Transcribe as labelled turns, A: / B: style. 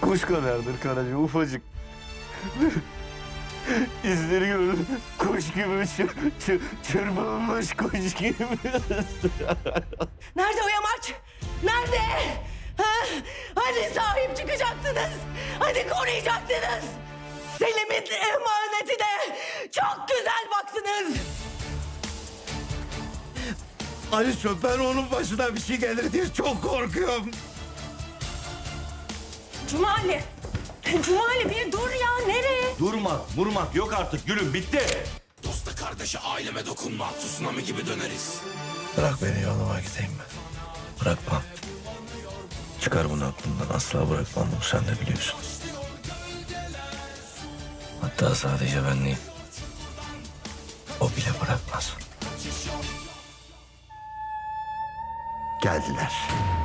A: Kuş kadardır Karaca, ufacık. İzleri görür, kuş gibi çırpılmış kuş gibi.
B: Nerede o yamaç? Nerede? Ha? Hani sahip çıkacaktınız? Hani koruyacaktınız? Selim'in emanetine çok güzel baktınız.
A: Aliço, ben onun başına bir şey gelir diye çok korkuyorum.
B: Cumali. Cumali bir dur ya, nereye?
A: Vurmak yok artık gülüm, bitti.
C: Dosta kardeşe aileme dokunma. Tsunami gibi döneriz.
D: Bırak beni, yoluma gideyim ben. Bırakmam. Çıkar bunu aklımdan. Asla bırakmam bunu, sen de biliyorsun. Hatta sadece ben değil, o bile bırakmaz.
A: Geldiler.